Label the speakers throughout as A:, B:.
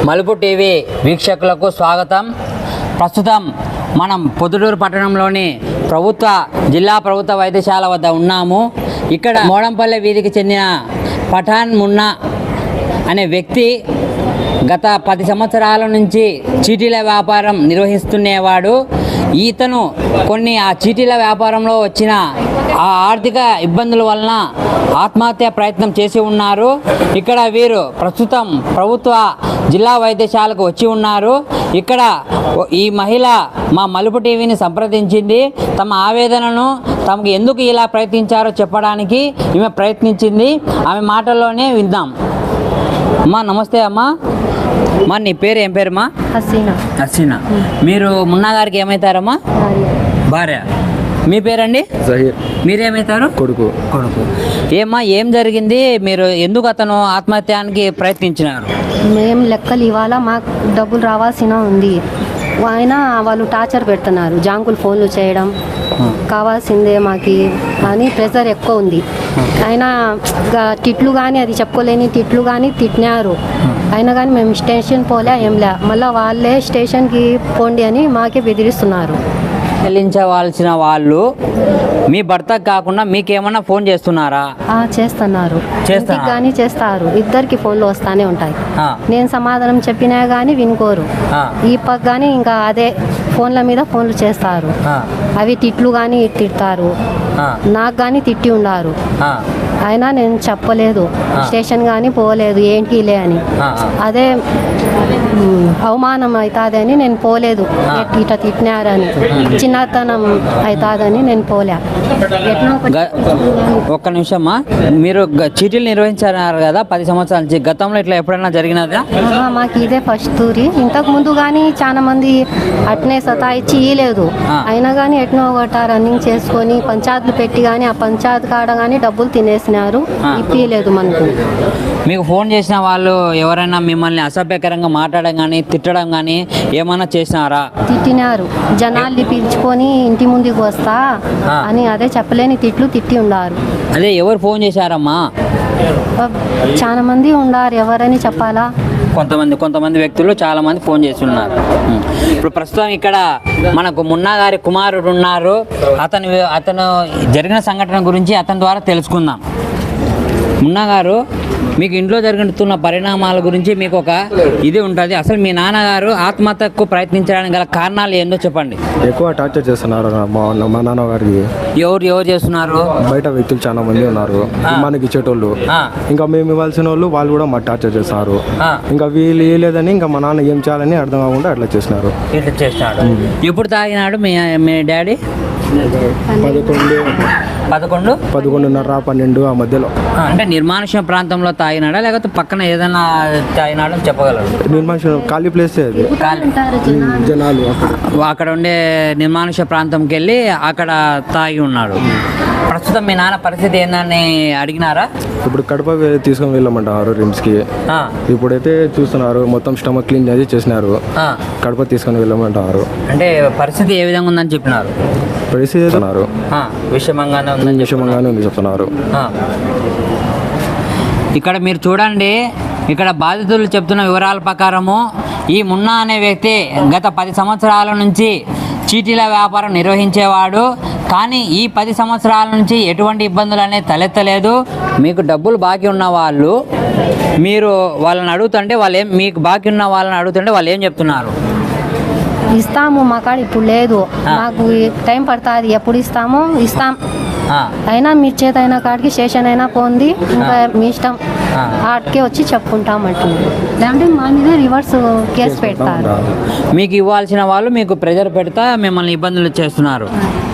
A: మలుపు టీవీ వీక్షకులకు స్వాగతం. ప్రస్తుతం మనం పొద్దుటూరు పట్టణంలోని జిల్లా ప్రభుత్వ వైద్యశాల వద్ద ఉన్నాము. ఇక్కడ మోడంపల్లె వీధికి చెందిన పఠాన్ మున్నా అనే వ్యక్తి గత 10 సంవత్సరాల నుంచి చీటీల వ్యాపారం నిర్వహిస్తున్నేవాడు. ఈతను ఆ చీటీల వ్యాపారంలో వచ్చిన ఆ ఆర్థిక ఇబ్బందుల వలన ఆత్మహత్య ప్రయత్నం చేసి ఉన్నారు. ఇక్కడ వీరు ప్రస్తుతం ప్రభుత్వ జిల్లా వైద్యశాలకు వచ్చి ఉన్నారు. ఇక్కడ ఈ మహిళ మా మలుపు టీవీని సంప్రదించింది. తమ ఆవేదనను తమకు ఎందుకు ఇలా ప్రయత్నించారో చెప్పడానికి ఈమె ప్రయత్నించింది. ఆమె మాటల్లోనే విందాం. అమ్మా నమస్తే అమ్మా. మా నీ పేరు ఏం పేరమ్మా? హసీనా. మీరు మున్నా గారికి ఏమవుతారమ్మా? భార్య. మీ పేరండి?
B: జహీర్.
A: మీరేమవుతారు? కొడుకు. ఏమ్మా ఏం జరిగింది? మీరు ఎందుకు అతను ఆత్మహత్యానికి ప్రయత్నించినారు?
C: మేము లెక్కలు ఇవాళ మాకు డబ్బులు రావాల్సిన ఉంది. వాళ్ళు టార్చర్ పెడుతున్నారు. జాంకులు ఫోన్లు చేయడం, కావాల్సిందే మాకి అని ప్రెజర్ ఎక్కువ ఉంది. అయినా తిట్లు కానీ అది చెప్పుకోలేని తిట్లు కానీ తిట్టినారు. అయినా కానీ మేము స్టేషన్ పోలే ఏంలే. మళ్ళీ వాళ్ళే స్టేషన్కి పోండి అని మాకే బెదిరిస్తున్నారు.
A: చెల్లించవలసిన వాళ్ళు మీ భర్తకు కాకుండా మీకేమన్నా ఫోన్ చేస్తున్నారా?
C: చేస్తున్నారు. కానీ చేస్తారు. ఇద్దరికి ఫోన్లు వస్తానే ఉంటాయి. నేను సమాధానం చెప్పినా కానీ వినుకోరు. ఈ పక్క కానీ ఇంకా అదే ఫోన్ల మీద ఫోన్లు చేస్తారు. అవి తిట్లు కానీ తిడతారు. నాకు కానీ తిట్టి ఉన్నారు. అయినా నేను చెప్పలేదు, స్టేషన్ కానీ పోలేదు, ఏంటి లే అని. అదే అవమానం అవుతుందని నేను పోలేదు. ఇట్లా తిట్టినారని, చిన్నతనం అవుతుందని నేను పోలే.
A: ఒక్క నిమిషమ్మా, మీరు చీటీలు నిర్వహించారు కదా 10 సంవత్సరాల నుంచి. గతంలో ఇట్లా ఎప్పుడైనా జరిగినదా?
C: మాకు ఇదే ఫస్ట్ తూరి. ఇంతకు ముందు కానీ చాలా మంది అట్నే సతాయిచ్చి ఇయ్యలేదు. అయినా కానీ ఎట్నో ఒకట రన్నింగ్ చేసుకొని పంచాయతీలు పెట్టి కానీ ఆ పంచాయతీ కాడ కానీ డబ్బులు తినేసినారు. ఇప్పియలేదు మనకు.
A: మీకు ఫోన్ చేసిన వాళ్ళు ఎవరైనా మిమ్మల్ని అసభ్యకరంగా మాట్లాడడం కానీ తిట్టడం కానీ ఏమైనా చేసినారా?
C: తిట్టినారు. జనాల్ని పిలుచుకొని ఇంటి ముందుకు వస్తా అని అదే చెప్పలేని తిట్లు తిట్టి ఉన్నారు.
A: అదే ఎవరు ఫోన్ చేశారమ్మా?
C: చాలా మంది ఉన్నారు. ఎవరని చెప్పాలా?
A: కొంతమంది వ్యక్తులు చాలా మంది ఫోన్ చేసి ఉన్నారు. ఇప్పుడు ప్రస్తుతం ఇక్కడ మనకు మున్నా గారి కుమారుడు ఉన్నారు. అతను జరిగిన సంఘటన గురించి అతని ద్వారా తెలుసుకుందాం. మున్నా గారు, మీకు ఇంట్లో జరుగుతున్న పరిణామాల గురించి మీకు ఒక ఇది ఉంటుంది. అసలు మీ నాన్నగారు ఆత్మహత్యకు ప్రయత్నించడానికి గల కారణాలు ఏందో చెప్పండి.
B: ఎక్కువ టార్చర్ చేస్తున్నారు మా నాన్నగారికి.
A: ఎవరు చేస్తున్నారు?
B: బయట వ్యక్తులు చాలా మంది ఉన్నారు మనకి ఇచ్చేటోళ్ళు. ఇంకా మేము ఇవ్వాల్సిన వాళ్ళు కూడా మా టార్చర్ చేస్తున్నారు. ఇంకా వీళ్ళు ఇవ్వలేదని ఇంకా మా నాన్న ఏం చేయాలని అర్థం కాకుండా అట్లా చేస్తున్నారు.
A: ఎప్పుడు తాగినాడు మీ డాడీ?
B: 11:30 12 ఆ మధ్యలో.
A: అంటే నిర్మానుష్య ప్రాంతంలో తాగినాడా లేకపోతే పక్కన ఏదైనా తాగినాడో చెప్పగలరు?
B: నిర్మానుష్యం ఖాళీ ప్లేస్ అది. జనాలు
A: అక్కడ ఉండే నిర్మానుష్య ప్రాంతంకి వెళ్ళి అక్కడ తాగి ఉన్నాడు. ప్రస్తుతం మీ నాన్న పరిస్థితి ఏందని అడిగినారా?
B: ఇప్పుడు కడప తీసుకొని వెళ్ళమంటారు రిమ్స్కి. ఇప్పుడైతే చూస్తున్నారు మొత్తం స్టమక్ క్లీన్ చేసి చేసినారు. కడప తీసుకొని వెళ్ళమంటారు.
A: అంటే పరిస్థితి ఏ విధంగా ఉందని చెప్పినారు?
B: పరిస్థితి
A: విషమంగానే
B: ఉంది చెప్తున్నారు.
A: ఇక్కడ మీరు చూడండి, ఇక్కడ బాధితులు చెప్తున్న వివరాల ప్రకారము ఈ మున్నా అనే వ్యక్తి గత 10 సంవత్సరాల నుంచి చీటీల వ్యాపారం నిర్వహించేవాడు. కానీ ఈ 10 సంవత్సరాల నుంచి ఎటువంటి ఇబ్బందులు అనేది తలెత్తలేదు. మీకు డబ్బులు బాకీ ఉన్న వాళ్ళు మీరు వాళ్ళని అడుగుతుంటే మీకు బాకీ ఉన్న వాళ్ళని అడుగుతుంటే వాళ్ళు ఏం చెప్తున్నారు?
C: ఇస్తాము, మా కాడ ఇప్పుడు లేదు, మాకు టైం పడుతుంది, ఎప్పుడు ఇస్తాం. అయినా మీ చేత అయినా కాడికి స్టేషన్ అయినా పోంది, ఇంకా మీ ఇష్టం, ఆడికే వచ్చి చెప్పుకుంటాం అంటుంది. లేదంటే మా మీద రివర్స్ కేసు పెడతారు.
A: మీకు ఇవ్వాల్సిన వాళ్ళు మీకు ప్రెజర్ పెడతా మిమ్మల్ని ఇబ్బందులు చేస్తున్నారు.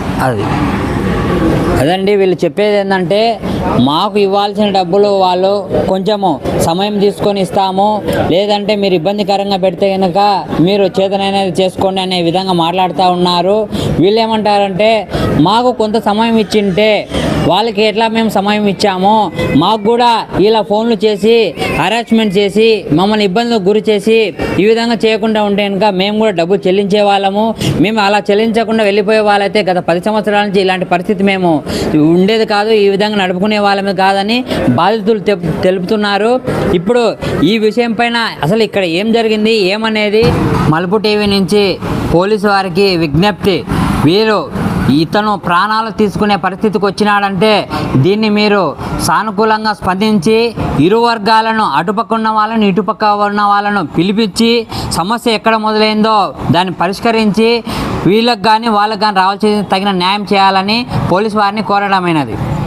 A: అదండి వీళ్ళు చెప్పేది ఏంటంటే, మాకు ఇవ్వాల్సిన డబ్బులు వాళ్ళు కొంచెము సమయం తీసుకొని ఇస్తాము, లేదంటే మీరు ఇబ్బందికరంగా పెడితే కనుక మీరు చేతనైనది చేసుకోండి అనే విధంగా మాట్లాడుతూ ఉన్నారు. వీళ్ళు ఏమంటారంటే, మాకు కొంత సమయం ఇచ్చింటే వాళ్ళకి ఎట్లా మేము సమయం ఇచ్చామో మాకు కూడా ఇలా ఫోన్లు చేసి హరాస్మెంట్ చేసి మమ్మల్ని ఇబ్బందులకు గురి చేసి ఈ విధంగా చేయకుండా ఉంటే కనుక మేము కూడా డబ్బులు చెల్లించే వాళ్ళము. మేము అలా చెల్లించకుండా వెళ్ళిపోయే వాళ్ళైతే గత 10 సంవత్సరాల నుంచి ఇలాంటి పరిస్థితి మేము ఉండేది కాదు, ఈ విధంగా నడుపుకుంటూ ఆదుకునే వాళ్ళమే కాదని బాధితులు తెలుపుతున్నారు. ఇప్పుడు ఈ విషయం పైన అసలు ఇక్కడ ఏం జరిగింది ఏమనేది మలుపు టీవీ నుంచి పోలీసు వారికి విజ్ఞప్తి. వీరు ఇతను ప్రాణాలు తీసుకునే పరిస్థితికి వచ్చినాడంటే దీన్ని మీరు సానుకూలంగా స్పందించి ఇరు వర్గాలను అటుపక్క ఉన్న వాళ్ళను ఇటుపక్క ఉన్న వాళ్ళను పిలిపించి సమస్య ఎక్కడ మొదలైందో దాన్ని పరిష్కరించి వీళ్ళకి కానీ వాళ్ళకి కానీ రావాల్సిన తగిన న్యాయం చేయాలని పోలీసు వారిని కోరడమైనది.